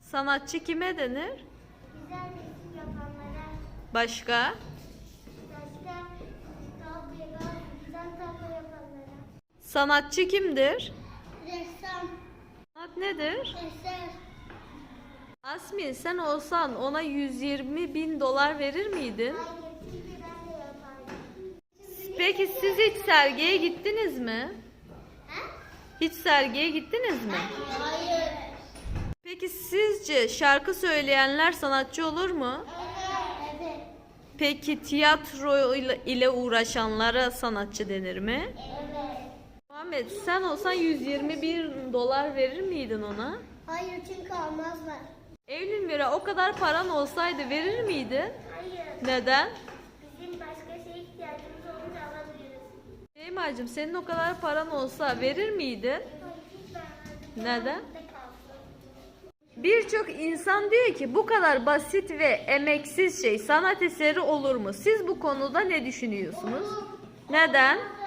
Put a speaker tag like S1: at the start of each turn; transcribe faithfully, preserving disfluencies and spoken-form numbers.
S1: Sanatçı kime denir?
S2: Güzel resim yapanlara.
S1: Başka?
S2: Başka tablo, güzel tablo yapanlara.
S1: Sanatçı kimdir?
S2: Ressam.
S1: Sanat nedir?
S2: Eser.
S1: Asmin, sen olsan ona yüz yirmi bin dolar verir miydin?
S2: Hayır, çünkü ben de yapardım.
S1: Peki siz hiç sergiye gittiniz mi?
S2: Ha?
S1: Hiç sergiye gittiniz mi?
S2: Hayır.
S1: Peki sizce şarkı söyleyenler sanatçı olur mu?
S2: Evet. Evet.
S1: Peki tiyatro ile ile uğraşanlara sanatçı denir mi?
S2: Evet.
S1: Muhammed, sen olsan yüz yirmi bin dolar verir miydin ona?
S2: Hayır, çünkü almazlar.
S1: Evlin Mira, o kadar paran olsaydı verir miydin?
S2: Hayır.
S1: Neden?
S2: Bizim başka şeye ihtiyacımız olunca alabiliriz.
S1: Şeymacığım, senin o kadar paran olsa verir miydin?
S2: Hayır, hiç vermezdim.
S1: Neden?
S2: Aklımda kalsın.
S1: Birçok insan diyor ki bu kadar basit ve emeksiz şey sanat eseri olur mu? Siz bu konuda ne düşünüyorsunuz? Neden?